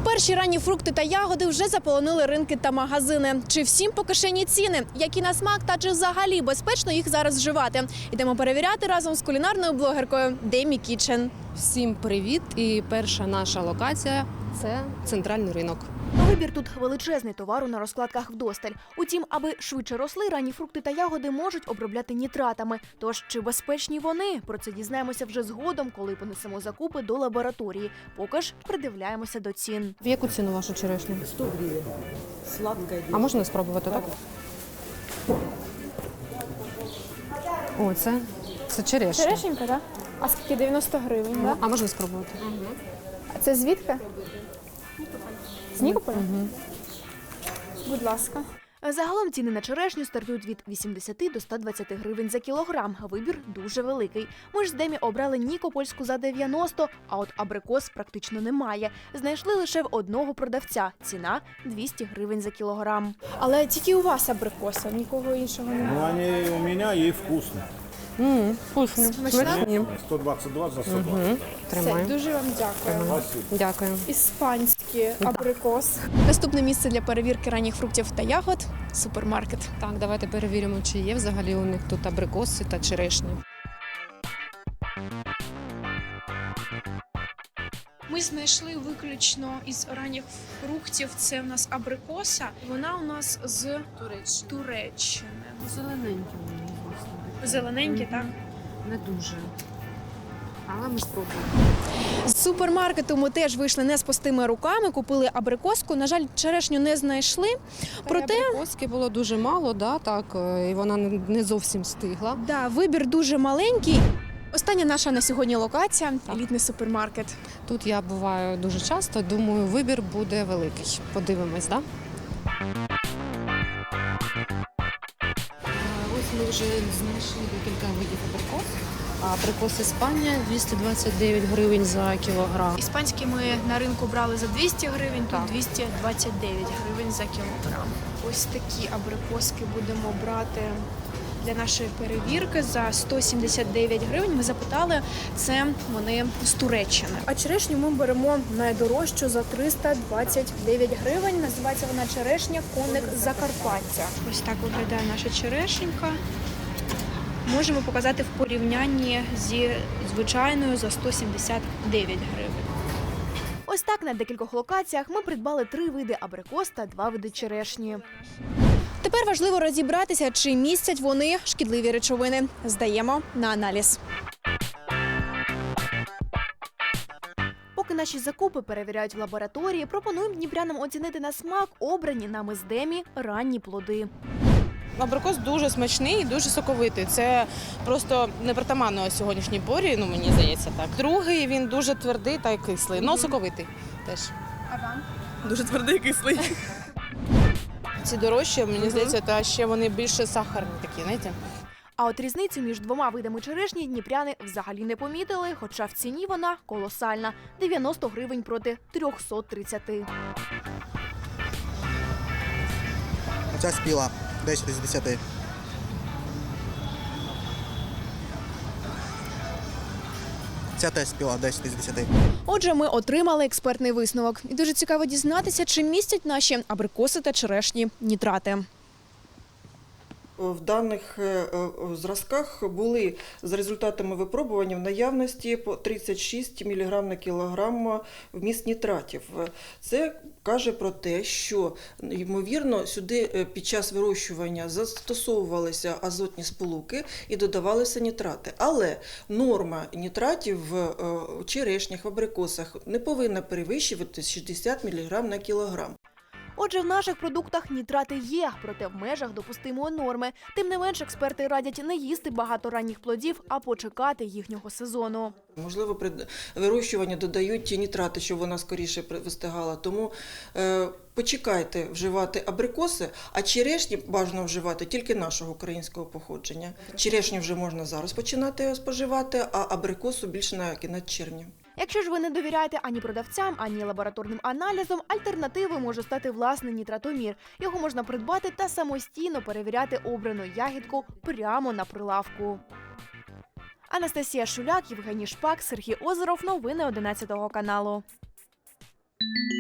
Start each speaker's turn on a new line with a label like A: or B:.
A: Перші ранні фрукти та ягоди вже заполонили ринки та магазини. Чи всім по кишені ціни? Які на смак та чи взагалі безпечно їх зараз вживати? Ідемо перевіряти разом з кулінарною блогеркою Демі Кітчен.
B: Всім привіт! І перша наша локація – це центральний ринок.
A: Вибір тут величезний, товару на розкладках вдосталь. Утім, аби швидше росли, ранні фрукти та ягоди можуть обробляти нітратами. Тож, чи безпечні вони? Про це дізнаємося вже згодом, коли понесемо закупи до лабораторії. Поки ж придивляємося до цін.
B: В яку ціну вашу черешню?
C: 100 гривен. Сладкая.
B: А можна спробувати, так? О, це черешня.
D: Черешенька, так? А скільки? 90 гривень, так?
B: А можна спробувати?
D: А це звідки? З Нікополя? Будь ласка.
A: Загалом ціни на черешню стартують від 80 до 120 гривень за кілограм. Вибір дуже великий. Ми ж з Демі обрали нікопольську за 90, а от абрикос практично немає. Знайшли лише в одного продавця. Ціна 200 гривень за кілограм.
D: Але тільки у вас абрикоса, нікого іншого немає.
E: Ну, они у меня и вкусные.
B: Вкусні. Смачні.
E: 122 за 120.
D: Все,
B: Тримаю.
D: дуже вам дякую.
B: Дякую.
D: Іспанський абрикос.
A: Наступне місце для перевірки ранніх фруктів та ягод – супермаркет.
B: Так, давайте перевіримо, чи є взагалі у них тут абрикоси та черешні.
F: Ми знайшли виключно із ранніх фруктів. Це у нас абрикоса. Вона у нас з Туреччини.
B: Зелененькі вони,
F: Зелененькі, так?
B: Не дуже. Але ми спробуємо.
A: З супермаркету ми теж вийшли не з пустими руками, купили абрикоску. На жаль, черешню не знайшли. Проте,
B: Абрикоски було дуже мало, да, так, і вона не зовсім стигла.
A: да, вибір дуже маленький. Остання наша на сьогодні локація – елітний супермаркет.
B: Тут я буваю дуже часто, думаю, вибір буде великий. Подивимось, так? Да? Ось ми вже знайшли декілька видів абрикос. Абрикос Іспанія 229 гривень за кілограм.
F: Іспанські ми на ринку брали за 200 гривень,
B: Так.
F: тут 229 гривень за кілограм. Ось такі абрикоски будемо брати для нашої перевірки за 179 гривень. Ми запитали, це вони з Туреччини.
D: А черешню ми беремо найдорожчу за 329 гривень. Називається вона черешня «Коник Закарпаття».
F: Ось так виглядає наша черешенька. Можемо показати в порівнянні зі звичайною за 179 гривень.
A: Ось так на декількох локаціях ми придбали 3 види абрикос та 2 види черешні. Тепер важливо розібратися, чи містять вони шкідливі речовини. Здаємо на аналіз. Поки наші закупи перевіряють в лабораторії, пропонуємо дніпрянам оцінити на смак обрані нами з Демі ранні плоди.
G: Абрикос дуже смачний і дуже соковитий. Це просто непритаманно сьогоднішній порі, мені здається так. Другий, він дуже твердий та й кислий, але соковитий теж.
D: А вам?
G: Дуже твердий і кислий. Ці дорожчі, мені здається, та ще вони більше сахарні такі, знаєте.
A: А от різницю між двома видами черешні дніпряни взагалі не помітили, хоча в ціні вона колосальна – 90 гривень проти 330.
H: Оця спіла 10 з 10. Ця теж спіла 10 з 10.
A: Отже, ми отримали експертний висновок. І дуже цікаво дізнатися, чи містять наші абрикоси та черешні нітрати.
I: В даних зразках були за результатами випробування в наявності по 36 мг на кілограм вміст нітратів. Це каже про те, що, ймовірно, сюди під час вирощування застосовувалися азотні сполуки і додавалися нітрати. Але норма нітратів в черешнях, в абрикосах не повинна перевищувати 60 мг на кілограм.
A: Отже, в наших продуктах нітрати є, проте в межах допустимої норми. Тим не менш, експерти радять не їсти багато ранніх плодів, а почекати їхнього сезону.
I: Можливо, при вирощуванні додають ті нітрати, щоб вона скоріше вистигала. Тому почекайте вживати абрикоси, а черешні бажано вживати тільки нашого українського походження. Черешню вже можна зараз починати споживати, а абрикосу більше на кінець червня.
A: Якщо ж ви не довіряєте ані продавцям, ані лабораторним аналізам, альтернативою може стати власний нітратомір. Його можна придбати та самостійно перевіряти обрану ягідку прямо на прилавку. Анастасія Шуляк, Євгеній Шпак, Сергій Озеров. Новини 11 каналу.